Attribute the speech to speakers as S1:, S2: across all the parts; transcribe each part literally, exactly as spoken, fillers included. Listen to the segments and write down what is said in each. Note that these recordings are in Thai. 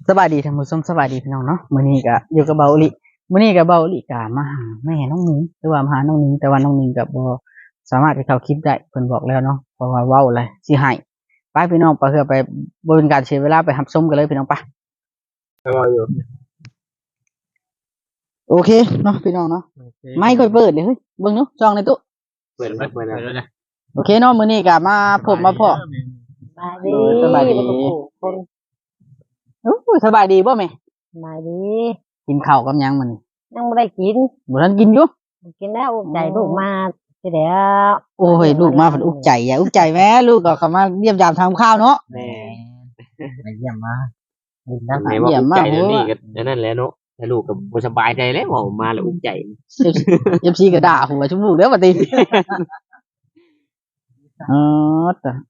S1: สบายดีท่านผู้ชมสบายดีพี่น้องเนาะมื้อนี้ก็อยู่กับเบาอลิมื้อนี้ก็เบาอลิก็มาหาแม่น้องหนิงหรือว่ามาหาน้องหนิงแต่ว่าน้องหนิงก็บ่สามารถที่เข้าคลิปได้เพิ่นบอกแล้วเนาะเพราะว่าเว้าเลยสิให้ไปพี่น้องไปเพื่อไปบ่เป็นการเสียเวลาไปรับชมกันเลยพี่น้องไป
S2: รออยู่
S1: โอเคเนาะพี่น้องเนาะไมค์ค่อยเปิดเด้เฮ้ยเบิ่งเนาะจองในตู้
S2: เปิดแล้วเปิดแล้วนะ
S1: โอเคเนาะมื้อนี้ก็มาพบมาพ้อ
S3: สบายดี
S1: สบายดี
S3: คน
S1: โอ้ยสบายดีบ่แม่
S3: สบายดี
S1: กินข้าวกับหยังมื้อนี้
S3: ยังไม่ได้กิน
S1: บ่ทันกินอยู่
S3: กินแล้วใจลูกมาทีเดียว
S1: โอ้ยลูกมาเพิ่นอุกใจอย่าอุกใจแม่ลูกก็เข้ามาเยี่ยมยามทำข้าวเนาะ
S2: แม่
S1: มาเยี่ยมมา
S2: ดินน้ำเยี่ยมมากนี่ก็นั่นแหละเนาะแต่ลูกก็บ่สบายใจแล้วว่ามาแล้วอุ้มใจ
S1: เอฟซีก็ด่าหัวชั่วโมงเด้อบัดนี้อ๋อตะ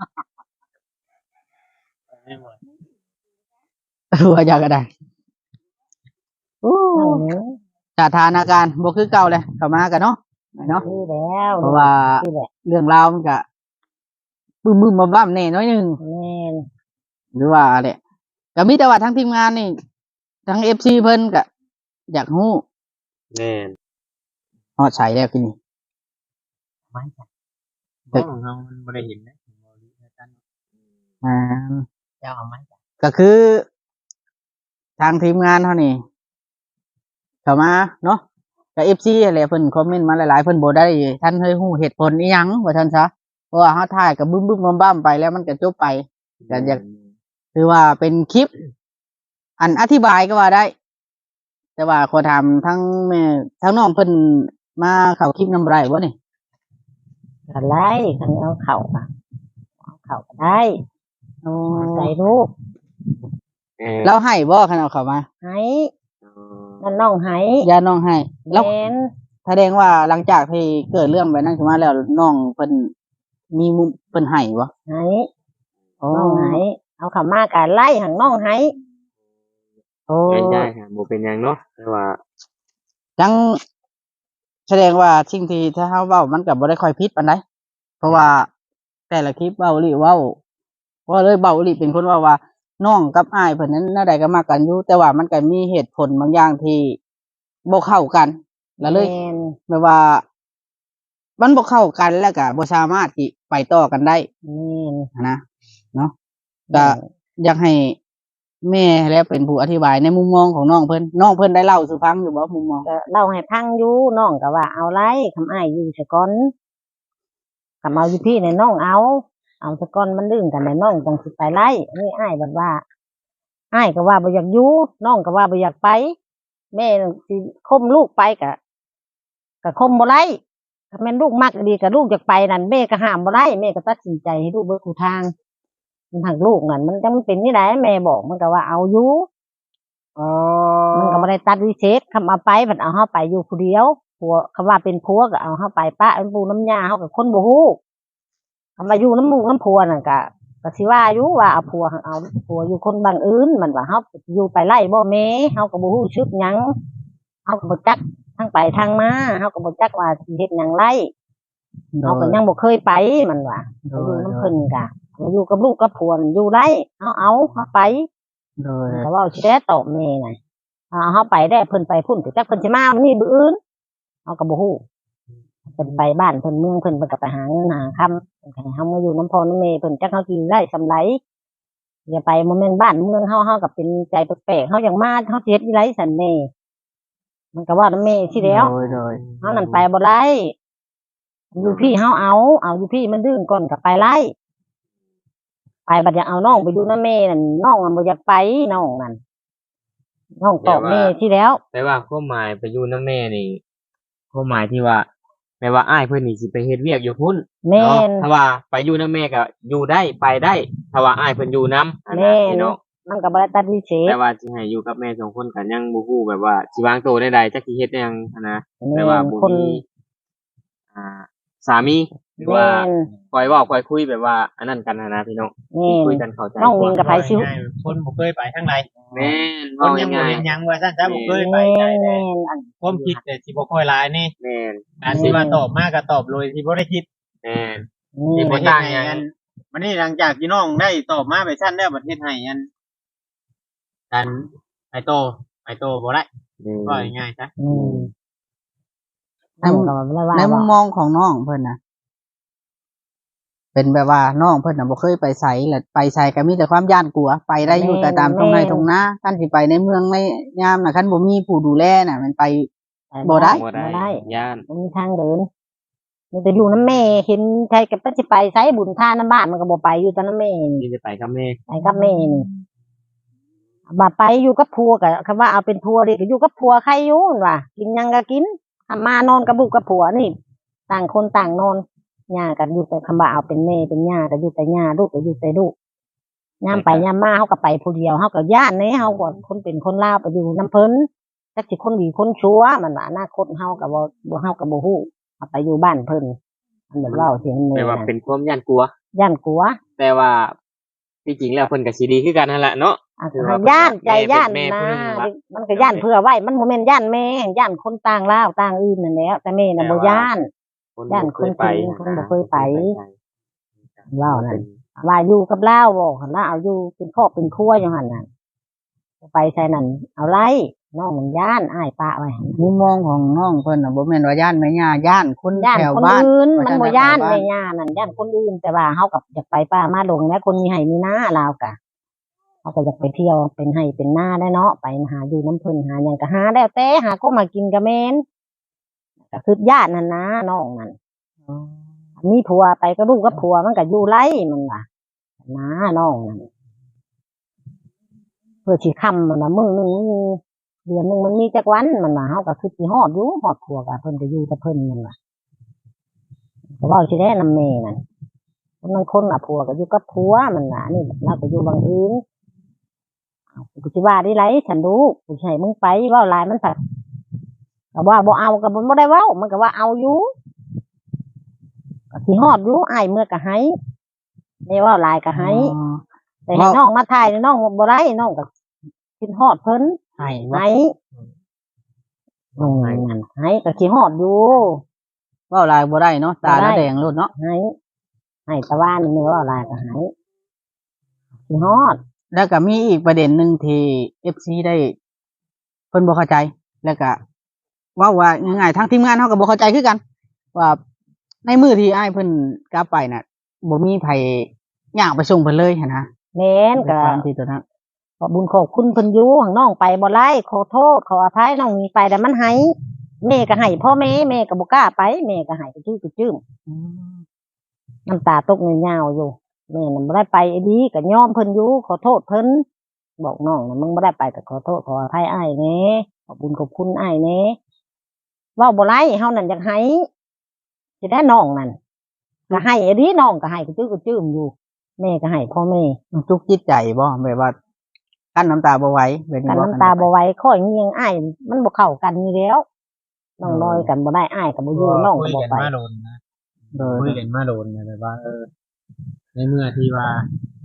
S1: หัวอยากก็ได้โอ้สถานการณ์บ่คือเก่าเลยเข้ามากันเนาะเนาะเพราะว่าเรื่องราวมันก็บึ้มๆบ้ามๆแน่น้อยนึง
S3: แม่น
S1: หรือว่าแหละก็มีแต่ว่าทั้งทีมงานนี่ทั้ง เอฟ ซี เพิ่นก็อยากฮู้
S2: แม่น
S1: ฮอดใช้แล้วกินนี่
S2: ไม่จ้ะบ่เฮามันบ่ได้เห็นนะ
S1: อ่า
S2: เจ้าเอาไหมจ้ะ
S1: ก็คือทางทีมงานเฮานี่เข้ามาเนาะก็ เอฟ ซี แหละเพิ่นคอมเมนต์มาหลายๆเพิ่นบ่ได้ท่านเคยฮู้เหตุผลอีหยังว่าซั่นซะเพราะว่าเฮาถ่ายก็บึ้มๆบ้ามๆไปแล้วมันก็จบไปก็อยากคือว่าเป็นคลิปอันอธิบายก็ว่าได้แต่ว่าขอถามทั้งแม่ทั้งน้องเพิ่นมาเข้าคลิปนำไรบ่นี่
S3: ก็ไล่คันเอาเข้าอ่ะเอาเข้าก็ได้โอ้ใจลูก
S1: แล้วให้บ่คันเอาเข้ามา
S3: ให้นั่นน้องให้
S1: ย่าน้องให้
S3: แล้ว
S1: แสดงว่าหลังจากที่เกิดเรื่องไปนั้นขึ้นมาแล้วน้องเพิ่นมีมุมเพิ่นให้บ่
S3: ให้น้องให้เอาเข้ามาก็ไล่หังน้องให้
S1: โอ้
S2: ได้ค่ะบ่เป็นหยังเนาะแต่ว่า
S1: จังแสดงว่าสิ่งที่ถ้าเฮาเว้ามันก็บ่ได้ค่อยผิดปานใดเพราะว่าแต่ละคลิปเว้าอีเว้าว่าเลยเว้าอีเป็นคนว่าว่าน้องกับอ้ายเพิ่นนั้นแนวใดก็มักกันอยู่แต่ว่ามันก็มีเหตุผลบางอย่างที่บ่เข้ากันแล้วเลยแบบว่ามันบ่เข้ากันแล้วก็บ่สามารถที่ไปต่อกันได้นะเนาะก็อยากให้แม่แล้วเป็นผู้อธิบายในมุมมองของน้องเพิ่นน้องเพิ่นได้เล่าสู่ฟังอยู่บ่มุมมอง
S3: ก็เล่าให้ฟังอยู่น้องก็ว่าเอาไรคำอ้ายอยู่ซะก่อนคำเอาอยู่พี่ในน้องเอาเอาซะก่อนมันดึงกันในน้องจังสิไปไล่นี่อ้ายบัดว่าอ้ายก็ว่าบ่อยากอยู่น้องก็ว่าบ่อยากไปแม่สิคมลูกไปก็ก็คมบ่ไล่ถ้าแม่นลูกมักดีก็ลูกอยากไปนั่นแม่ก็ห้ามบ่ได้แม่ก็ตัดสินใจให้ลูกเบิกคู่ทางทางลูกนั่นมันจะมันเป็นนี่ได้แม่บอกมันก็ว่าเอาอยู่อ๋อมันก็บ่ได้ตัดวิเศษคำเอาไปมันเอาเฮาไปอยู่ผู้เดียวผัวคำว่าเป็นผัวก็เอาเฮาไปปะเป็นปูน้ำยาเฮากับคนบ่ฮู้คำว่าอยู่น้ำมูกน้ำผัวนั่นก็ก็สิว่าอยู่ว่าเอาผัวเอาผัวอยู่คนบางอื่นมันว่าเฮาอยู่ไปไล่บ่แม่เฮาก็บ่ฮู้ชึกหยังเฮาก็บ่จักทางไปทางมาเฮาก็บ่จักว่าสิเฮ็ดหยังไล่เฮาก็ยังบ่เคยไปมันว่าอยู่น้ำเพิ่นก็อยู่กับลูกกับผัวอยู่ได้เอาเอาเฮาไปแต่ว่าสิได้ตอบแม่น่ะอ่าเฮาไปได้เพิ่นไปพุ่นแต่จักเพิ่นสิมาวันนี้มื้ออื่นเฮาก็บ่ฮู้เพิ่นไปบ้านเพิ่นเมืองเพิ่นเพิ่นก็ไปหาเงินหาคำเพิ่นให้เฮามาอยู่น้ำพ่อน้ำแม่เพิ่นจักเฮากินได้สำไรอย่าไปบ่แม่นบ้านเมืองเฮาเฮาก็เป็นใจแปลกๆเฮาอย่างมาเฮาสิเฮ็ดอีไรซั่นแม่มันก็ว่าน้ำแม่สิแล้วเฮานั่นไปบ่ได้อยู่พี่เฮาเอาเอาอยู่พี่มันดึงก่อนก็ไปไล่ไปบัดอยากเอาน้องไปดูน้าแม่นั่นน้องมันบ่อยากไปน้องนั่นน้องตอบแม่ที่แล้ว
S2: แต่ว่าความหมายไปอยู่น้าแม่นี่ความหมายที่ว่าแม่ว่าอ้ายเพิ่นนี่สิไปเฮ็ดเวียกอยู่พุ่น
S3: แม่น
S2: ถ้าว่าไปอยู่น้าแม่ก็อยู่ได้ไปได้ถ้าว่าอ้ายเพิ่นอยู่นำ
S3: แม่เนาะมันก็บ่ได้ตัดวิเศษ
S2: แต่ว่าสิให้อยู่กับแม่สองคนก็ยังบ่ฮู้แบบว่าสิวางตัวได้ใดจักสิเฮ็ดหยังนะแต่ว่าบ่มีอ่าสามีหรือว่าคอยเว้าคอยคุยแบบว่าอันนั้นกันนะพี่น้องคุยกันเข้าใจ
S3: น้องมิงกับไผซิ
S4: คนบ่เคยไปทางใด
S2: แม่น
S4: เว้าง่ายๆยังว่าซั่นซะบ่เคยไปไดแม่นความคิดแต่สิบ่ค่อยหลายนี่
S2: แม่น
S4: อันสิว่าตอบมาก็ตอบโดยที่บ่ได้คิด
S2: แม่น
S4: สิบ่ต่างหยังวันนี้หลังจากที่น้องได้ตอบมาไปซั่นแล้วประเทศให้อันกันไอโตไอโตบ่ได้
S2: อืม
S4: ก็ง่ายๆซะ
S3: อืมน้องก็บ่ได้ว่า
S1: ในมุมม
S3: ว่า
S1: องของน้องเพิ่นนะเป็นแบบว่าน้องเพิ่นน่ะบ่เคยไปไสและไปไสก็มีแต่ความย่านกลัว ไปได้อยู่แต่ตามทุ่งไร่ทุ่งนาคันสิไปในเมืองในยามน่ะคันบ่มีผู้ดูแลน่ะ มันไป บ่ได้
S2: บ่
S3: บ่
S2: ได้
S3: ได้
S2: ย่าน
S3: บ่มีทางเดินมันแต่อยู่น้ำแม่เห็นใครก็ไปสิไปไสบุญทานน้ำบ้านมันก็บ่ไปอยู่แต่น้ำแม่นี่
S2: ที่จะไปกับแม่
S3: ไปกับแม่นี่บ่ไปอยู่กับผัวก็คำว่าเอาเป็นผัวดิก็อยู่กับผัวใครอยู่นั่นว่ากินหยังก็กินทำมานอนกับลูกกับผัวนี่ ต่างคนต่างนอนย่ากันอยู่แต่คำว่าเอาเป็นแม่เป็นย่าก็อยู่แต่ย่าลูกก็อยู่แต่ลูกยามไปยามมาเฮาก็ไปผู้เดียวเฮาก็ย่านเด้เฮาก็คนเป็นคนลาวไปอยู่น้ำเพิ่นจักสิคนดีคนชั่วมันว่าอนาคตเฮาก็บ่บ่เฮาก็บ่ฮู้เอาไปอยู่บ้านเพิ่นมันแบบเว้าเสียงแม่
S2: แต่ว่า
S3: น่ะ
S2: เป็นความย่านกลัว
S3: ย่านกลัว
S2: แต่ว่าที่จริงแล้วเพิ่นก็สิดีคือกันนั่นแหละเนาะ
S3: อ่ะ
S2: คือว่า
S3: ย่านใจ
S2: แม่เป็น
S3: ย่าน
S2: แม่
S3: นะ
S2: ผู้หนึ่งว่ะ
S3: มันก็ย่านเพื่อไว้ มันโมเมนย่านแม่ย่านคนต่างลาวต่างอื่นนั่นแหล้วแต่แม่น่ะบ่ย่าน
S2: คน
S3: ย่าน
S2: บ่เคยไป
S3: คนบ่เคยไป
S2: ว้า
S3: ว้าวนั่น ว่าอยู่กับลาวบอกหั่นนะเอาอยู่เป็นครอบเป็นครัวอย่างนั้นน่ะไปใส่นั่นเอาไรน้องมันย่านอ้ายปะไว้
S1: มุมมองของน้องเพิ่นน่ะบ่แม่นว่าย่านแม่ย่าย่านคน
S3: ย่าน
S1: แถว
S3: คน
S1: บ้าน
S3: อื่น
S1: ว่า
S3: มัน
S1: จัง
S3: บ่
S1: ได๋
S3: ย่าน
S1: แถวบ้าน
S3: แม่ย่านั่นย่านคนอื่นแต่ว่าเฮากับอยากไปป้ามาลงแม้คนมีให้มีหน้าลาวกะเฮาก็อยากไปเที่ยวเป็นให้เป็นหน้าได้เนาะไปหาอยู่น้ำเพิ่นหาหยังก็หาแล้วแต่หาก็มากินก็แม่นก็คือญาตินั่นนะน้องนั่นมีผัวไปก็ลูกกับผัวมันก็อยู่ไร่มันว่ะนะน้องนั่นเพื่อสิค้ำมันว่ามื้อหนึงมีเดือนหนึงมันมีจักวันมันว่าเฮาก็คือสิฮอดอยู่ฮอดผัวก็เพิ่นก็อยู่แต่เพิ่นมันว่าก็เว้าสิได้นำแม่นั่นคนนั้นคนน่ะผัวก็อยู่กับผัวมันน่ะนี่เราก็อยู่บางอื่นอ้าวกูสิว่าได้ไรฉันรู้กูสิให้มึงไปเว้าหลายมันสักก็ว่าบ่เอาก็บ่ได้เว้ามันก็ว่าเอาอยู่ก็สิฮอดอยู่อ้ายเมื่อก็ให้แม่เว้าหลายก็ให้
S1: อ๋อ
S3: แต่ให้น้องมาถ่ายน้องบ่ได้น้องก็คิดฮอดเพิ่น
S1: ให้ว่า
S3: ให้อืมนั่นให้ก็คิดฮอดอยู่
S1: เว้าหลายบ่ได้เนาะตา
S3: บ่ได้
S1: แล้วแดงโลดเนาะ
S3: ให้ให้ตะวันนี่ว่าหลายก็ให้คิดฮอด
S1: แล้วก็มีอีกประเด็นหนึงที่ เอฟ ซี ได้เพิ่นบ่เข้าใจ แล้วก็เว้าว่าง่ายๆทางทีมงานเฮาก็บ่เข้าใจคือกัน ว่าในมื้อที่อ้ายเพิ่นกลับไปน่ะบ่มีไผย่างไปส่งเพิ่นเลยหันนะ
S3: แม่น
S1: ด้ว
S3: ก็
S1: ยความที่ตัวนั้น
S3: ขอบุญขอบคุณเพิ่นอยู่ข้างน้องไปบ่ไล่ขอโทษขออภัยน้องมีไปแต่มันให้แม่ก็ให้พ่อแม่แม่ก็บ่กล้าไปแม่ก็ให้กระจื้อกระจื้มน้ำตาตกยาวๆอยู่แม่น่ะบ่ได้ไปไอ้ดีก็ยอมเพิ่นอยู่ขอโทษเพิ่นบอกน้องน่ะมึงบ่ได้ไปก็ขอโทษขออภัยอ้ายแหน่ขอบคุญขอบคุณอ้ายแหน่เว้าบ่ไล่เฮานั่นอยากให้สิได้น้องนั่นก็ให้ไอ้ดีน้องก็ให้กระจื้อกระจื้มอยู่แม่ก็ให้พ่อแม่
S1: มันทุกข์จิตใจบ่แบบว่ากั้นน้ำตาบ่ไหวแบบนี้
S3: กัน
S1: บ่
S3: น้ำตาบ่ไหวข้อยเงียงอ้ายมันบ่เข้ากันอยู่แล้วน้องน้อยกันบ่ได้อ้ายก็บ่อยู่น้อง
S4: คุ
S3: ก็
S4: ย
S3: บ่
S4: กัน
S3: ไป
S4: มาโดนนะ
S1: โดย
S4: คุยกันมาโดนนะแบบว่า เออ ในเมื่อที่ว่า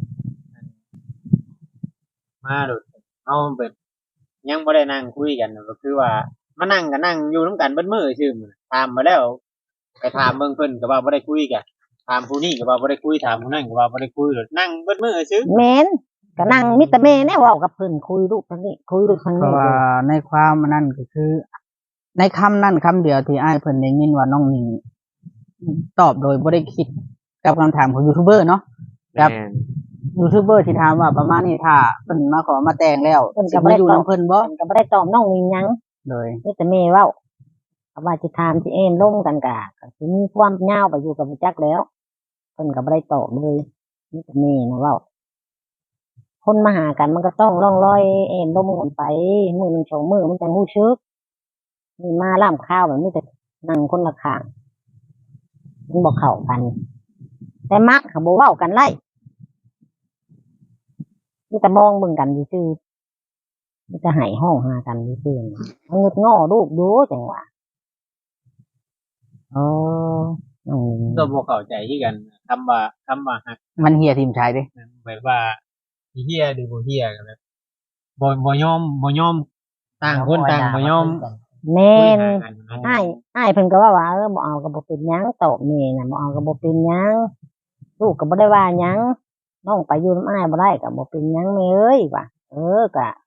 S4: มาโดนเอาแบบยังบ่ได้นั่งคุยกันน่ะก็คือว่ามานั่งก็นั่งอยู่นํกันเบิดมื้อซื่อมื้อถามมาแล้วไปถามเบิ่งเพิ่นก็ว่าบ่ได้คุยกันถามผู้นี้ก็ว่าบ่ได้คุยถามผู้นั้นก็ว่าบ่ได้คุยเลยนั่งเบิดมื้อซื่อ
S3: แม่นก็นั่งมีแต่แม่แน่เว้ากับเพิ่นคุยลูกทางนี้คุยลูกทาง
S1: เพ
S3: นี้
S1: ราะว่าในความนั้นก็คือ ในคำนั้นคำเดียวที่อ้ายเพิ่นได้ยินว่าน้องหนิงตอบโดยบ่ได้คิดกับคำถามของยูทูบเบอร์เนาะ ครับ
S2: แม่น
S1: ยูทูบเบอร์ที่ถามว่าประมาณนี้ถ้าเพิ่นมาขอมาแต่งแล้ว
S3: เพิ่น
S1: สิ
S3: ก็บ่
S1: มา
S3: ได้
S1: อยู่
S3: ตอบ
S1: นำเพิ่นบ่
S3: เพิ่นก็บ่ได้ตอบน้องอีหยัง
S1: โดย
S3: มีแต่แม่เว้าก็ว่าสิถามสิเอ็นลงกันกะก็สิมีความยาวไปอยู่กับจักแล้วเพิ่นก็บ่ได้ตอบเลยมีแต่แม่นะเว้าคนมาหากันมันก็ต้องร่องรอยเอ็นลมกันไปมื้อหนึงสองมื้อมันจะรู้สึกมีมาล่ามข้าวแบบนี้แต่นั่งคนละข้างมันบ่เข้ากัน แต่มักเขาบ่เว้ากันไล่มีแต่มองเบิ่งกันซื่อๆมีแต่ให้ห้องหากันซื่อๆเอาเงิดง้อลูกดูจังหวะ
S1: อ๋อ
S3: อืม
S4: ก็บ่เข้าใจคือกันคำว่าคำว่าฮัก
S1: มันเหียทีมชายเด้
S4: แบบว่าสิเฮียหรือบ่เฮียก็แบบบ่บ่ยอมบ่ยอมต่างคนต่างบ่ยอม
S3: แม่น
S4: คุยหากันนะ
S3: อ้ายอ้ายเพิ่นก็ว่าว่าเออบ่เอาก็บ่เป็นหยังตอบแม่น่ะบ่เอาก็บ่เป็นหยังลูกก็บ่ได้ว่าหยังน้องไปอยู่นำอ้ายบ่ได้ก็บ่เป็นหยังแม่เอ้ยว่าเออก็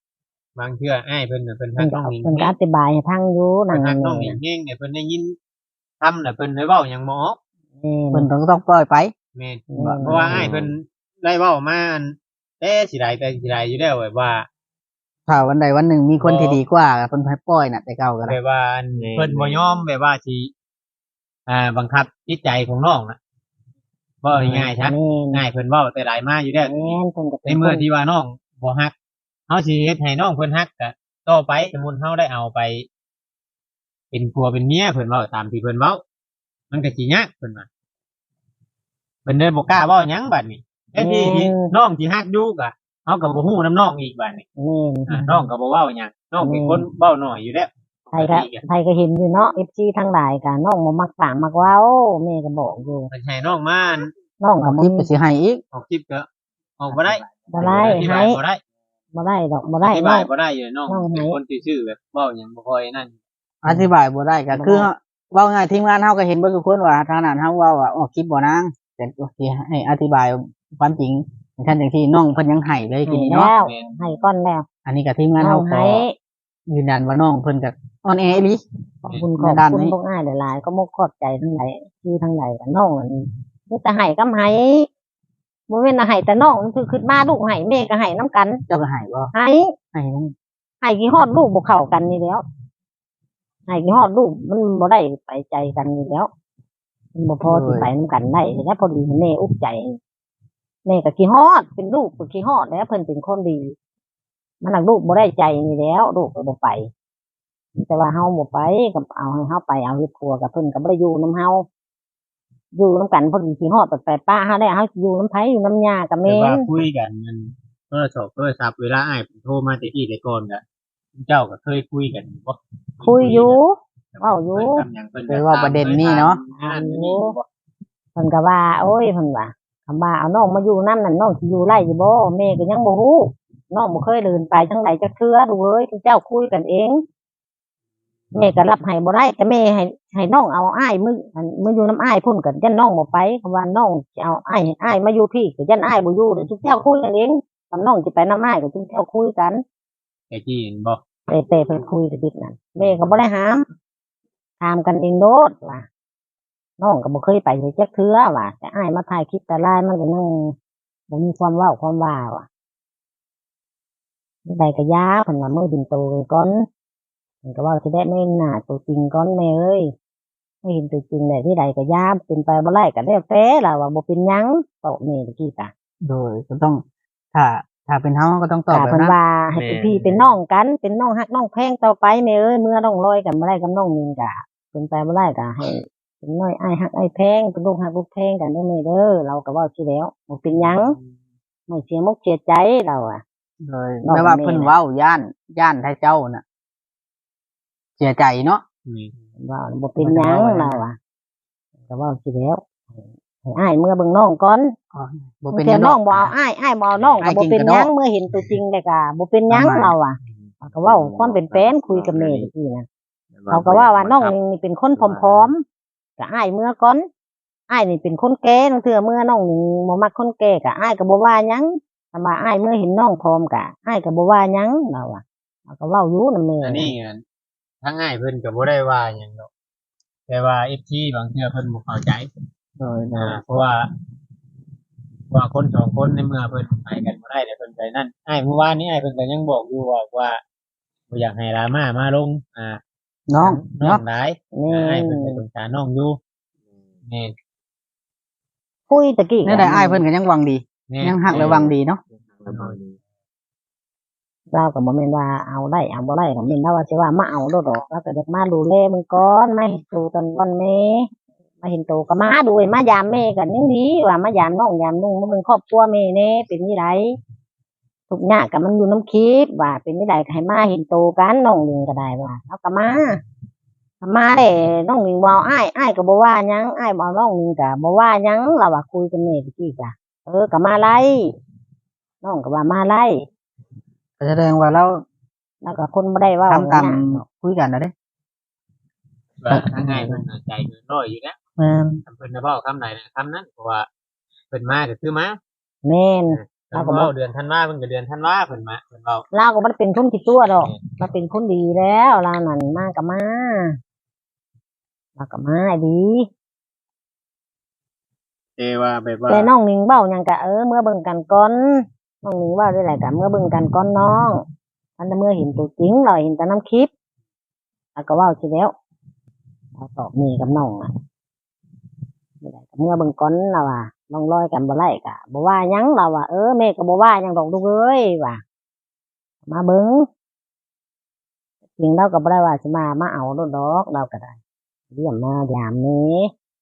S4: บางเทื่ออ้ายเพิ่นน่ะเพิ่น
S3: เพิ่
S4: ฮั
S3: น
S4: ก
S3: ก็
S4: น้องหนิง
S3: เพิ่นก็
S4: แฮ
S3: อง ธิบายให้พังอยู่
S4: เพิ่
S3: นั่
S4: น
S3: น
S4: ฮั
S3: นั่
S4: ก
S3: น
S4: น้องหนิงแฮงเนี่ยเพิ่นได้ยินคำน่ะเพิ่นได้เว้าหยังบ่ออก
S3: แม่
S1: เพิ่นต้องต้องปล่อยไป
S4: แม่น
S3: แม่
S4: เพราะว่าอ้ายเพิ่นได้เว้ามาอันแต่สิได้แต่สิได้อยู่แล้วแบบว่า
S1: ถ้าวันใดวันหนึ่งมีคนที่ดีกว่าเพิ่นให้ปล่อยน่ะแต่เก่าก็
S4: แบ
S1: ได้
S4: บว่าอันเพิ่นบ่ยอมแบบว่าสิอ่าบังคับจิตใจของน้องน่ะเว้าง่ายๆซะ
S3: แม่น
S4: ง่ายเพิ่นเว้าแต่หลายมาอยู่แล้ว
S3: แม่นเพิ่นก็
S4: ใน
S3: เป็นค
S4: เมื่อน ที่ว่าน้องบ่ฮักเฮาสิเฮ็ดให้น้องเพิ่นฮักก็ต่อไปสมมุติเฮาได้เอาไป เป็นผัวเป็นเมียเพิ่นเว้าตามที่เพิ่นเว้ามันก็สิยากเพิ่นว่าเพิ่นเลยบ่กล้าเว้าหยังบัดนี้แท้ที่ที่น้องที่ฮักอยู่ก็เฮาก็บ่ฮู้นํน้องอีกบัดนี้
S3: แม่น
S4: อ่าน้องก็บ่เว้าหยังน้องเป็นคนเว้าน้อยอยู่แล้ว
S3: ไผก็ไผก็เห็นอยู่เนาะ เอฟ ซี ทั้งหลายก็น้องบ่มักปากมักเว้าแม่ก็บอกอยู่
S4: เพิ่นให้น้องมาอัน
S3: น้อง
S1: อ
S3: ก็
S1: อก
S3: บ่
S1: คลิปก็สิให้อีก
S4: ออกคลิปก็ออกบ่ได้
S3: บ่ได้
S4: อธิ
S3: ให้
S4: บายบ่ได้
S3: บ่ได้ดอกบ่
S4: อ
S3: ได้
S4: ธิ
S3: น้
S4: บา
S3: อย ง
S4: บ่ได้อยู่น้อง
S3: น้องให้
S4: เป็นคนซื่อๆแบบเว้าหยังบ่ค่อยนั่น
S1: อธิบายบ่ได้ก็คือเว้าง่ายทีมงานเฮาก็เห็นเบิดทุกคนว่าทางนั้นเฮาเว้าว่าออกคลิปบ่นางแต่สิให้อธิบายความจริงท่านจังที่น้องเพิ่นยังให้เลยกินนี่
S3: แล้
S1: เนาะ
S3: วให้ก่อนแล้ว
S1: อันนี้ก็ทีมงาน
S3: น้
S1: เฮา
S3: อง
S1: ขอ
S3: ให้
S1: ยืนยันว่าน้องเพิ่นก็ออนแอร์อีหลี
S3: ขอบคุณขอบ
S1: ในด้าน
S3: คุณ
S1: นี้
S3: พวกอ้ายหลายๆก็มกขอบใจทั้งหลายคือทั้งหลายกับน้องอันนี้มีแต่ให้กับให้บ่แม่นว่าให้แต่น้องมันคือขึ้นมาลูกให้แม่ก็ให้นํกัน
S1: เจ้าก็ให้บ่
S3: ให้
S1: ให้นั่น
S3: ให้กี่ฮอดลูกบ่เข้ากันนี่แหล้วให้กี่ฮอดลูกมันบ่ได้ไปใจกันนี่แหล้วมันบ่พอสิไปนํกันได้แล้วพอดีแม่อุกใจแม่ก็ขี้ฮอดเป็นลูกก็ขี้ฮอดแล้วเพิ่นเป็นคนดี มันนักลูกบ่ได้ใจนี่แหล้วลูกก็บ่ไป แต่ว่าเฮาบ่ไปก็เอาให้เฮาไปเอาเฮ็ดครัวกับเพิ่นก็บ่ได้อยู่นํเฮาอยู่นํกันเพิ่นสิฮอดไปป้าเฮาได้เฮาอยู่นํไผอยู่นํย่ากับ
S4: แต่
S3: แม่
S4: ว่าคุยกันมันโทรศัพท์โทรศัพท์เวลาอ้ายโทรมาแต่อีแต่ก่อนก็เจ้าก็เคยคุยกันบ่
S3: คุยอยู่ เว้าอยู่
S4: เคยทำหยังเพิ่น
S1: เคยเว้าประเด็นนี้เนาะ
S4: อ่านนี่บ่
S3: เพิ่นก็ว่าโอ้ยเพิ่นว่าคำว่าเอาน้องมาอยู่นำนั่นน้องสิอยู่ไร่อยู่บ่แม่ก็ยังบ่ฮู้น้องบ่เคยเดินไปทางใดจักเทื่อดูเอ้ยเจ้าคุยกันเองแม่ก็รับให้บ่ได้แต่แม่ให้ให้น้องเอาอ้ายมืออันมืออยู่น้ำอ้ายพุ่นก็ยันน้องบ่ไปคำว่าน้องสิเอาอ้ายให้อ้ายมาอยู่พี่ก็ยันอ้ายบ่อยู่เดี๋ยวทุกเจ้าคุยกันเองคำน้องสิไปน้ำอ้ายก็ทุกเจ้าคุยกัน
S4: แต่ที่เห็นบ่
S3: แต่แต่เพิ่นคุยกับบิ๊กนั่นแม่ก็บ่ได้ห้ามถามกันเองโดดว่าน้องก็บ่เคยไปเลยจักเทื่อว่าแต่อ้ายมาถ่ายคลิปแต่ไลน์มันก็นั่งบ่มีความเว้าความว่าว่ะได้ก็ยาเพิ่นว่ามือดินโตเลยก่อนเพิ่นก็ว่าสิได้แม่นหน้าตัวจริงก่อนแม่เอ้ยไม่เห็นตัวจริงเลยที่ใดก็ยาเป็นไปบ่ได้ก็แล้วแต่ล่ะว่าบ่เป็นหยังตอบแม่ตะกี้กะ
S1: โดยก็ต้อง ถ้า ถ้าเป็นเฮาก็ต้องตอบ
S3: ถ้า
S1: แบบ
S3: เพิ่น
S1: นั้น
S3: ว่าให้เป็นพี่เป็นน้องกันเป็นน้องฮักน้องแพงต่อไปแม่เอ้ยเมื่อน้องลอยกันบ่ได้กับน้องนิงกะเป็นไปบ่ได้ก็ให้เป็นน้อยอ้ายฮักอ้ายแพงเป็นลูกฮักลูกแพงกันเด้อแม่เด้อเราก็เว้าสิแล้วบ่เป็นหยังไม่เสียมกเสียใจเราอ่ะ
S1: โดย
S3: นอก
S1: แต่ว่า
S3: จากนี้
S1: เพิ่นเว้าย่านย่านให้เจ้าน่ะ เสียใจเนาะ
S4: นี่
S3: ว่าบ่เป็นหยังเราอ่ะก็เว้าสิแล้วให้อ้ายเมื่อเบิ่งน้องก่อน
S1: อ๋อบ่เป็น
S3: เสีย
S1: หยัง
S3: น้อง
S1: ดก
S3: บ่เอาอ้ายอ้ายบ่เอาน้อง
S1: อ้า
S3: ก็
S1: ย
S3: บ่
S1: จริง
S3: เป็น
S1: ก็
S3: หยัง
S1: เนาะ
S3: เมื่อเห็นตัวจริงแล้วก็บ่เป็นหยัง
S1: ประมาณ
S3: เราอ่ะก็เว้าความเป็นแฟนคุยกับแม่ตะกี้นะ เขาก็ว่าว่าน้องนี่เป็นคนผอมๆก็อ้ายเมื่อก่อนอ้ายนี่เป็นคนแก่นังเทื่อเมื่อน้องนี่บ่มักคนแก่ก็อ้ายก็บ่ว่าหยังถ้าว่าอ้ายเมื่อเห็นน้องผอมก็อ้ายก็บ่ว่าหยังเราอ่ะเราก็เว้าอยู่นำแม่
S4: อันนี้อันทั้งง่ายเพิ่นก็บ่ได้ว่าหยังดอกแต่ว่า เอฟ ซี บางเทื่อเพิ่นบ่เข้าใจ
S1: โดยโด
S4: อ่าย เพราะว่าว่าคนสองคนในเมื่อเพิ่นไปกันบ่ได้แต่เพิ่นไปนั่นอ้ายเมื่อวานนี้อ้ายเพิ่นก็ยังบอกอยู่ว่าว่าบ่อยากให้ดราม่ามาลงอ่า
S1: น้อง
S4: น้อ
S1: เนาะ
S4: งหลาย
S3: นี่
S4: อ้ายเพิ่นก็สงสารน้องอยู่แม่น
S3: คุยตะกี้
S1: นี่ได้อ้ายเพิ่นก็ยังหวังดี
S4: แม่น
S1: ยังหักและหวังดีเนาะ
S3: เราก็บ่แม่นว่าเอาได้เอาบ่ได้ก็แม่นเราว่าสิว่ามาเอาโดดดอกเราก็อยากมาดูแลมึงก่อนมาเห็นโตตอนก่อนแม่มาเห็นโตก็มาดูมายามแม่กันยังดีว่ามายามน้องยามนุ่งมาเบิ่งครอบครัวแม่แน่เป็นนี่ไดทุกอย่างก็มันอยู่น้ำคิดว่าเป็นนี่ไดก็ให้มาเห็นโตกันน้องนึงก็ได้ว่าเอาก็มามาเด้น้องนึงบ่เอาอ้ายอ้ายก็บ่ว่าหยังอ้ายบ่เอาน้องนึงก็บ่ว่าหยังเราว่าคุยกันแม่ตะกี้จ้ะเออก็มาไล่น้องก็ว่ามาไล่
S1: ก็แสดงว่าเรา
S3: แล้วก็คนบ่ได้เว่า
S1: ทำตาม
S3: หยัง
S1: คุยกันนะเด้
S4: ว่าทั้งง่ายเพิ่นน่ะใจเกินร้อยอยู่แล้ว
S1: แม่น
S4: เพิ่นน่ะเว้าคำใดน่ะคำนั้นเพราะว่าเพิ่นมาก็คือมา
S3: แม่น
S4: เพิ่นเว้าเดือนธันวาเพิ่นก็เดือนธันวาเพิ่นมาเพิ่นเว้า
S3: เราก็บ่ได้เป็นคนขี้ตัวดอกเราเป็นคนดีแล้วเรานั่นมาก็มามาก็มาดี
S4: แต่ว่าแบบว่า
S3: แต่น้องหนิงเว้าหยังก็เออเมื่อเบิ่งกันก่อนน้องหนิงเว้าได้หลายก็เมื่อเบิ่งกันก่อนน้องอันนั้นเมื่อเห็นตัวจริงเราเห็นแต่น้ำคลิปแล้วก็เว้าสิแล้วเราตอบนี่กับน้องอ่ะไม่ได้ก็เมื่อเบิ่งก่อนเราว่าน้องลอยกันบ่ไล่ก็บ่ว่าหยังเราว่าเออแม่ก็บ่ว่าหยังดอกลูกเอ้ยว่ามาเบิ่งจริงเราก็บ่ได้ว่าสิมามาเอาโลดดอกเราก็ได้เยี่ยมมายามนี้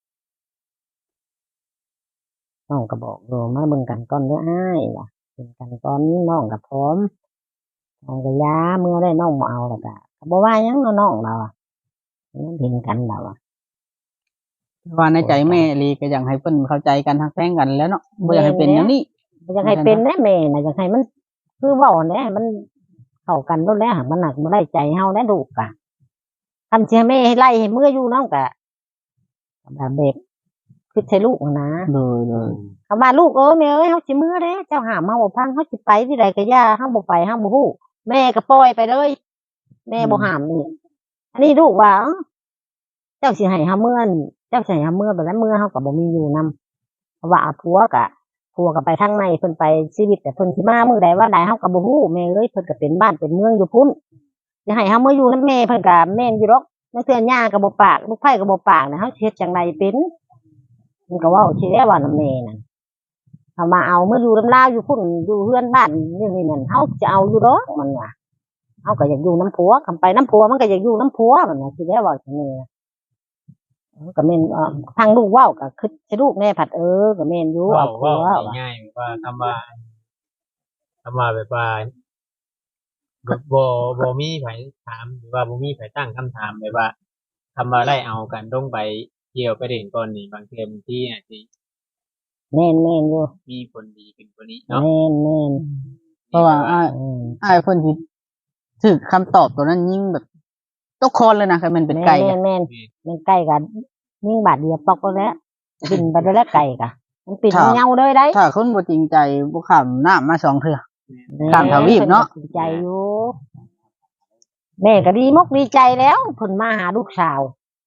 S3: น้องก็บอกโยมาเบิ่งกันก่อนเด้ออ้ายว่ะเบิ่งกันก่อนน้องก็พร้อมน้องก็ยาเมื่อได้น้องบ่เอาแล้วก็ก็บ่ว่าหยังเนาะน้องเราอ่ะมันเห็นกันเราอ่ะ
S1: ว่าในใจแม่ลีก็อยากให้เพิ่นเข้าใจกันทักแท้งกันแล้วเนาะบ่อยากให้เป็นอย่างนี้
S3: บ่อยากให้เป็นแน่แม่น่ะอยากให้มันคือเว้าแน่มันเข้ากันโลดแล้วมันหนักบ่ได้ใจเฮาได้ลูกกะทำเสียแม่ให้ไล่ให้เมื่ออยู่น้องก็แบบเด็กคิดใส่ลูกนะ
S1: เลยเลย
S3: คำว่าลูกเอ้ยแม่เอ้ยเฮาสิมื้อเด้เจ้าหามเฮาบ่พังเฮาสิไปที่ใดก็ย่าเฮาบ่ไปเฮาบ่ฮู้แม่ก็ปล่อยไปเลยแม่บ่ห้ามนี่อันนี้ลูกว่าเอ้าเจ้าสิให้เฮามื้อนี่เจ้าสิให้เฮามื้อแบบนั้นมื้อเฮาก็บ่มีอยู่นํเพราะว่าผัวก็ผัวก็ไปทางในเพิ่นไปชีวิตแต่เพิ่นสิมามื้อใดว่าใดเฮาก็บ่ฮู้แม่เอ้ยเพิ่นก็เป็นบ้านเป็นเมืองอยู่พุ่นสิให้เฮามื้ออยู่นำแม่เพิ่นก็แม่นอยู่ดอกนักเทื่อย่าก็บ่ปากลูกไผก็บ่ปากนะเฮาสิเฮ็ดจังไดเป็นมันก็เว้าสิได้ว่านำแม่น่ะ เอามาเอาเมื่ออยู่ลำลาวอยู่พุ่นอยู่เฮือนบ้านนี่นี่นั่นเขาจะเอาอยู่ดอกมันว่ะเขาก็อยากอยู่น้ำผัวคำไปน้ำผัวมันก็อยากอยู่น้ำผัวมันว่าทีแรกว่าทีนี้ก็เมนทางลูกว่าวก็คือจะลูกแม่ผัดเออก็เมนอยู่
S4: เว้า
S3: เอาผัว
S4: เว้า
S3: ว่ะ
S4: ง่ายๆว่าคำว่าคำว่าแบบว่าแบบบ่บ่มีไผถามหรือว่าบ่มีไผตั้งคำถามแบบว่าคำว่าไล่เอากันลงไปเกี่ยวไปเด่นก่อนนี่บางเทอมที่อาจจะ
S3: แม่นแม่นอยู่
S4: มีผลดีขึ้นกว่านี้เนาะ
S3: แม่นแม่น
S1: เพราะว่าอ้าย
S3: อืม
S1: อ้ายเพิ่นสิถึกคำตอบตัวนั้นยิ่งแบบตกคนเลยนะคือมันเป็นไก่
S3: แม่นแม่นแม่นไก่กันยิ่งบาดเดียวปอกก็แล้วบินไปได้แล้วไก่กะมันปิดมันเงาเลยได้
S1: ถ้าคนบ่จริงใจบ่ข้ามน้ำมาสองเทื่อ ข้ามทวีปเนาะ
S3: พิ่ก็ดีใจอยู่แม่ก็ดีมกดีใจแล้วเพิ่นมาหาลูกสาว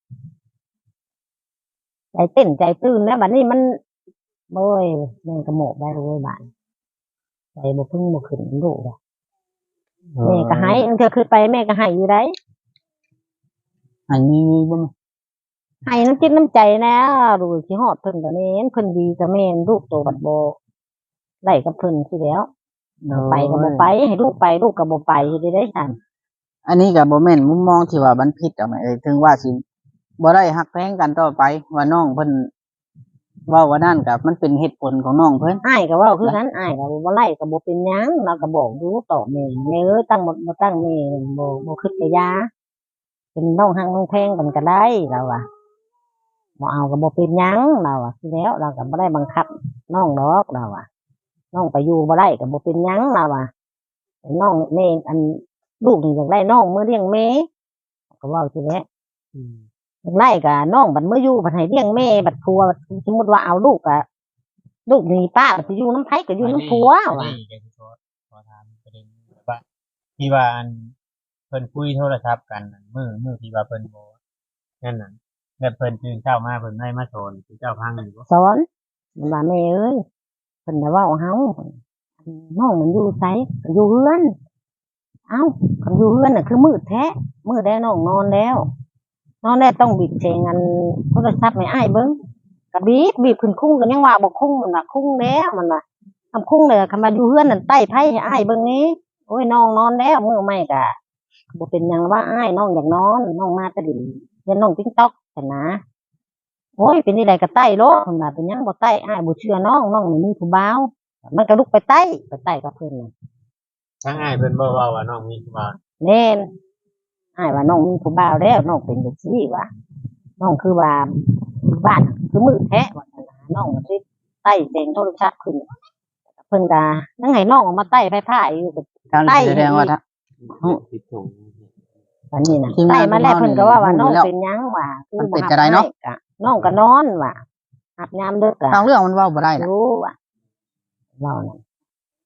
S3: ใจเต้นใจตื่นแล้วบัดนี้มันโอ้ยแม่ก็โมกได้เลยบาดใจบ่พึ่งบ่ขึ้นลูกอะแม่ก็ให้อันเธอขึ้นไปแม่ก็ให้อยู่ได้
S1: อันนี้มีบ่
S3: ให้น้ำจิตน้ำใจนะดูสิฮอดเพิ่นก็แม่นเพิ่นดีก็แม่นลูกโตบัดบ่ได้กับเพิ่นสิแล้ว ไปก็บ่ไปให้ลูกไปลูกก็บ่ไปสิได้ได้ซั่น
S1: อันนี้ก็บ่แม่นมุมมองที่ว่ามันผิดเอาไหมเอ้ยถึงว่าสิบ่ได้ฮักแพงกันต่อไปว่าน้องเพิ่นเว้าว่านั่นก็มันเป็นเหตุผลของน้องเพิ่น
S3: อ้ายก็เว้าคือนั้นอ้ายก็บ่ไล่ก็บ่เป็นหยังเราก็บอกอยู่ต่อแม่แม่เอ้ยตั้งบ่บ่ตั้งแม่บ่บ่คิดกะยาเป็นน้องฮักน้องแพงกันก็ได้เราว่าบ่เอาก็บ่เป็นหยังเราว่าคือแล้วเราก็บ่ได้บังคับน้องดอกเราว่าน้องไปอยู่บ่ได้ก็บ่เป็นหยังเราว่าแต่น้องแม่อันลูกนี่อยากได้น้องมื้อเลี้ยงแม่ก็เว้าสิแหละ
S4: อืม
S3: อยากได้ก็น้องบัดมื้ออยู่บัดให้เลี้ยงแม่บัดผัวสมมุติว่าเอาลูกก็ลูกนี่ป้าก็สิอยู่น้ำไผก็อยู่น้ำผัว
S4: อัน
S3: ว่ะ
S4: นี้ก็สิขอขอถามประเด็นแบบว่าที่ว่าอันเพิ่นคุยโทรศัพท์กันนั่นมื้อมื้อที่ว่าเพิ่นบ่นั่นน่ะแล้วเพิ่นตื่นเช้ามาเพิ่นให้มาสอนคือเจ้าพังอยู่บ่
S3: สอนมันว่าแม่เอ้ยเพิ่นน่ะเว้าเฮาน้องมันอยู่ไสก็อยู่เฮือนเอ้าคันอยู่เฮือนน่ะคือมืดแท้มืดแล้วน้องนอนแล้วนอนแล้วต้องบิดเชงอันโทรศัพท์ให้อ้ายเบิ่งก็บีบบีบขึ้นคุ้งก็ยังว่าบ่คุ้งมันน่ะคุ้งแล้วมันว่าทำคุ้งเลยคันมาอยู่เฮือนนั่นใต้ไผให้อ้ายเบิ่งนี้โอ้ยน้องนอนแล้วมื้อใหม่ก็บ่เป็นหยังว่าอ้ายน้องอยากนอนน้องมาแต่ดินเรียนน้อง TikTok ซั่นนะ โอ้ยเป็นนี่ใดก็ใต้โลดเพิ่นว่าเป็นหยังบ่ใต้อ้ายบ่เชื่อน้องน้องนี่มีผู้บ่าวมันก็ลุกไปใต้ไปใต้กับเพิ่นน่ะ
S4: ทางอ้ายเพิ่นบ่เว้าว่าน้องมีผู้บ่าว
S3: แม่นอ้ายว่าน้องมีผู้บ่าวแล้วน้องเป็นจังซี่ว่าน้องคือว่าบ้านคือมือแท้ว่าซั่นนะน้องก็สิใต้แสงโทรศัพท์ขึ้นเพิ่นก็นั่งให้น้องออกมาใต้ไผๆอยู่ก็
S1: ทาง
S3: ใต้
S1: แสดงว่าถ้า
S4: ติดถุง
S3: อันนี้น่ะ
S1: ทีม
S3: ใต้
S1: งาน
S3: มาแล้ว
S1: เพิ่
S3: เพิ่
S1: น
S3: น
S1: เฮา
S3: ก็ว่าว่า
S1: นี่
S3: น้อง
S1: รู้แล้ว
S3: เป็นหยังว่าคือ
S1: มัน
S3: บ่
S1: เป็น
S3: หับ
S1: จะได้เนาะ
S3: ให้ก็น้องก็นอนว่าอาบยามดึกก็
S1: ทางเรื่องมันเว้าบ่ได้นะ
S3: รู้ว่าเว้านั่น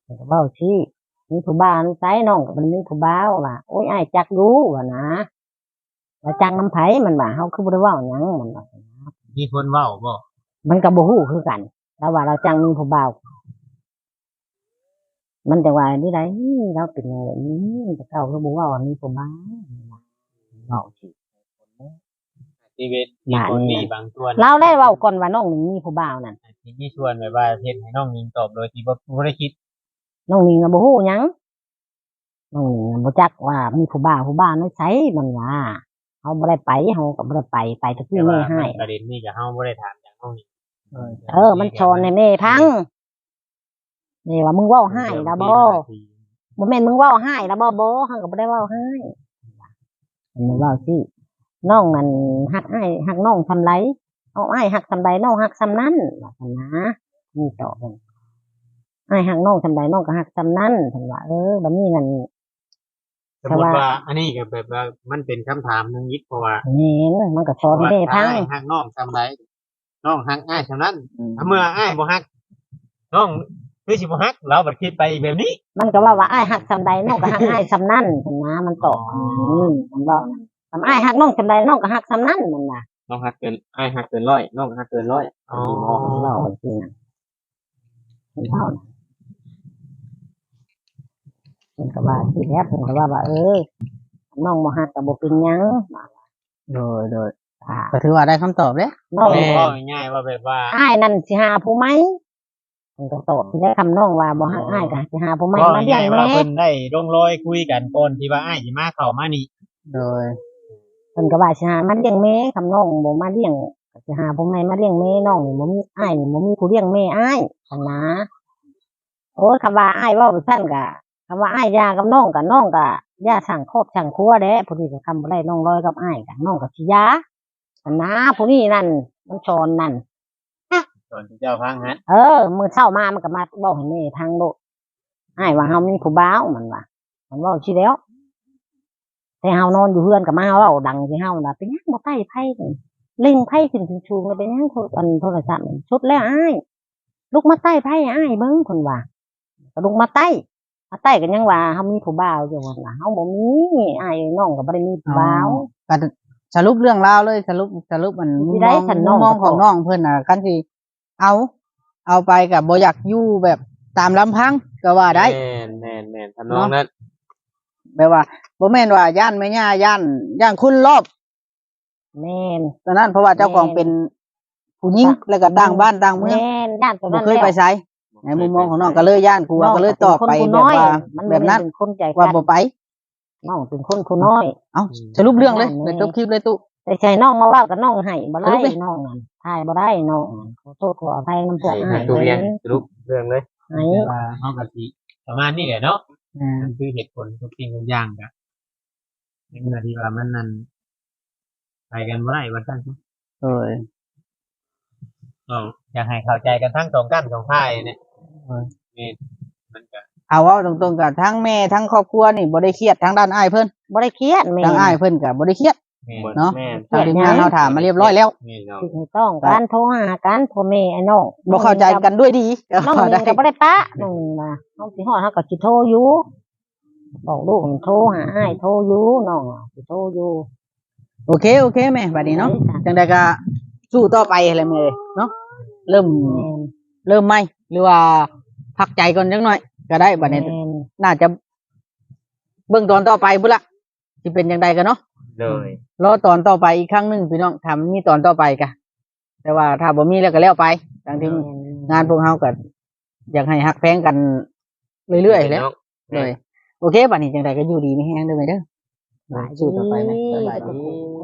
S3: ก็เว้าชี้มีผู้บ่าวน้ำใจน้องก็มันมีผู้บ่าวว่าโอ้ยอ้ายจักรู้ว่านะว่าจักน้ำไผมันว่าเฮาคือบ่ได้เว้าหยังมันว่า
S4: มีคนเว้าบ่
S3: มันก็บ่ฮู้คือกันแล้วว่าเราจังมีผู้บ่าวมันแต่ว่านี่ได้เราเป็นอย่างนี้แต่เก่าคือบ่เว้าว่ามีผู้บ่าวเว้าสิ
S4: ชีวิตมีคนมีบางส่วน
S3: เราได้เว้าก่อนว่าน้องหนิงมีผู้บ่าวนั่น
S4: ที่มีส่วนแบบว่าเฮ็ดให้น้องนิงตอบโดยที่บ่บ่ได้คิด
S3: น้องหนิงก็บ่ฮู้หยังน้องหนิงก็บ่จักว่ามีผู้บ่าวผู้บ่าวน้อยไสมันว่าเฮาบ่ได้ไปเฮาก็บ่ได้ไปไปแต่คือ
S4: แต่
S3: แม่
S4: ว่า
S3: ให้
S4: ประเด็นนี้ก็เฮาบ่ได้ถามอย่างน้องนิง
S3: เออ มันชอนให้แม่พังนี่ว่ามึงเว้าให้ล่ะบ่บ่แม่นมึงเว้าให้ล่ะบ่บ่เฮาก็บ่ได้เว้าให้มันเว้าสิน้องมันฮักอ้ายฮักน้องทำไรเอาอ้ายฮักทำใดน้องฮักซำนั้นว่าซั่นนะนี่ต่อเพิ่นอ้ายฮักน้องทำใดน้องก็ฮักซำนั้นเพิ่นว่าเออบัดนี้นั่น
S4: สมมุติว่าอันนี้ก็แบบว่ามันเป็นคำถามหนึงยิดเพราะว่า
S3: แม่นมันก็สอนให้ได้พัง
S4: อ้ายฮักน้องซำใดน้องฮักอ้ายซำนั้นถ้าเมื่ออ้ายบ่ฮักน้องคือสิบ่ฮักเราบัดคิดไปแบบนี้
S3: มันก็ว่าว่าอ้ายฮักซำใดน้องก็ฮักอ้ายซำนั้นเพิ่นนะมันตอบอืมมันว่าทำอ้ายฮักน้องซำใดน้องก็ฮักซำนั้นมันน่ะ
S2: น้องฮักเกินอ้ายฮักเกินร้อยน้องฮักเกินร้อย
S4: อ๋อ
S3: มันเว้าจริงน่ะมันเว้าน่ะเพิ่นก็ว่าสิแล้วเพิ่นก็ว่าว่าเออน้องบ่ฮักก็บ่เป็นหยัง
S1: โดยโดย
S3: อ่า
S1: ก็ถือว่าได้คำตอบเด้
S3: น้อง
S4: แม่ว่าง่ายๆว่าแบบว่า
S3: อ้ายนั่นสิหาผู้ไหมมันก็ตอบที่ได้คำน้องว่าบ่ฮักอ้ายก็สิหาผู้ไหม
S4: ว่า
S3: มาเลี้ย
S4: ง่าง ยๆ
S3: แม่
S4: ว่าเพิ่นได้ร่องรอยคุยกันก่อนที่ว่าอ้ายสิมาเข้ามานี่
S1: โดย
S3: เพิ่นก็ว่าสิหามาเลี้ยงแม่คำน้องบ่มาเลี้ยงก็สิหาผู้ไหมมาเลี้ยงแม่น้องนี่บ่มีอ้ายนี่บ่มีผู้เลี้ยงแม่อ้ายซั่นนะโอ้ยคำว่าอ้ายเว้าซั่นก็คำว่าอ้ายยากับน้องก็น้องก็ย่าสั่งครอบสั่งครัวแหละผู้นี้ก็คำบ่ได้น้องร้อยกับอ้ายก็น้องก็สิยาซั่นนะผู้นี้นั่นมันสอนนั่น
S4: ตอนที่เจ้าฟังฮะ
S3: เออมื้อเช้ามามันก็มาบอกให้แม่ทางโลดอ้ายว่าเฮามีผู้บ่าวมันว่ามันเว้าสิแล้วแต่เฮานอนอยู่เฮือนก็มาเว้าดังสิเฮาน่ะเป็นหยังบ่ใต้ไผนี่เล็งไผขึ้นสูงๆแล้วเป็นหยังโทรอันโทรศัพท์นี่ชุดแล้วอ้ายลุกมาใต้ไผอ้ายเบิ่งเพิ่นว่าก็ลุกมาใต้มาใต้ก็ยังว่าเฮามีผู้บ่าวอยู่เพิ่นว่าเฮาบ่มีอ้ายน้องก็บ่ได้มีผู้บ่าว
S1: ก็สรุปเรื่องราวเลยสรุปสรุปมัน
S3: สิได้ฉันน้
S1: มุ
S3: อง
S1: มมอง
S3: ก็
S1: ของ
S3: ตอบ
S1: น้องเพิ่นน่ะคันสิเอา เอาไปกับบ่อยากอยู่แบบตามลำพังก็ว่าได้
S2: แม่นแม่นแม่นทำนองนั้น
S1: แบบว่าบ่แม่นว่าย่านแม่ย่าย่านย่านคุณรอบ
S3: แม่น
S1: ตอนนั้นเพราะว่าเจ้าของเป็นผู้หญิงแล้วก็ต่างบ้านต่างเมือง
S3: แม่นด้านตัว
S1: บ่
S3: นั้น
S1: เคย
S3: แล้ว
S1: ไปไสในมุมมองของน้องก็เลยย่านกลัวก็เลยตอบไป
S3: น้อง
S1: แบบว่า
S3: มัน
S1: แบบนั้น
S3: เป็นคนใจ
S1: ว่า
S3: กัน
S1: บ่ไป
S3: น้องเป็นคนผู้น้อย
S1: เอ้าสรุปเรื่องเลย
S3: แม่
S1: เลยจบคลิปเลยตุ
S3: แต่ใช่น้องมาเว่ากับน้องให้บ่ได้
S1: สรุปเลย
S3: น้องนั่นทายบ่ได้น้องนั่นขอโทษขออภัยน้ำพวก
S2: ให้
S3: อ้า
S2: ให้
S3: ย
S2: ตัวเรียนสรุปเรื่องเลย
S3: ให้
S4: แต่ว่าเฮาก็สิประมาณนี้แหละเนาะ
S1: อ่า
S4: มันคือเหตุผลทุกสิ่งทุกอย่างก็ในเมื่อที่ว่ามันนั่นไปกันบ่ได้ว่าซั่น
S1: โดย
S4: ก็อยากให้เข้าใจกันทั้งสองกันสองฝ่ายเนี่ยนี่มันก็
S1: เอาเว้าตรงๆกับทั้งแม่ทั้งครอบครัวนี่บ่ได้เครียดทางด้านอ้ายเพิ่น
S3: บ่ได้เครียดแม่
S1: ทางอ้ายเพิ่นก็บ่ได้เครียด
S4: แม่
S1: เนาะ
S2: แม่น
S1: ทางทีมงานเราถามมาเรียบร้อยแล้ว
S4: แม่เนาะ
S3: ถูกต้องการโทรหากันพ่อแม่ไอ้น้อง
S1: บ่เข้าใจกันด้วยดี
S3: น้อง
S1: ก็
S3: นี่
S1: ได้
S3: ก็บ่ได้ปะน้องนี่นะน้องสิฮอดเฮาก็สิโทรอยู่บอกลูกมันโทรหาอ้ายโทรอยู่น้องสิโทรอยู่
S1: โอเคโอเคแม่บัดนี้เนาะจังใดก็สู้ต่อไปอะไรแม่เนาะเริ่ม
S3: แม่น
S1: เริ่มใหม่หรือว่าพักใจก่อนจักหน่อย ก็ได้บัดนี้
S3: แม่น
S1: น่าจะเบิ่งตอนต่อไปพุ่นละสิเป็นจังใดกันเนาะ
S2: เลย
S1: รอตอนต่อไปอีกครั้งหนึงพี่น้องถ้ามันมีตอนต่อไปก็แต่ว่าถ้าบ่มีแล้วก็แล้วไปทางทีมงานพวกเฮาก็อยากให้ฮักแพงกันเรื่อยๆแหล้ว เลยโอเคบัดนี้จังใดก็อยู่ดีมีแฮงเด้อแม่เด้อสู้ต่อไปแม่บ๊ายบายดี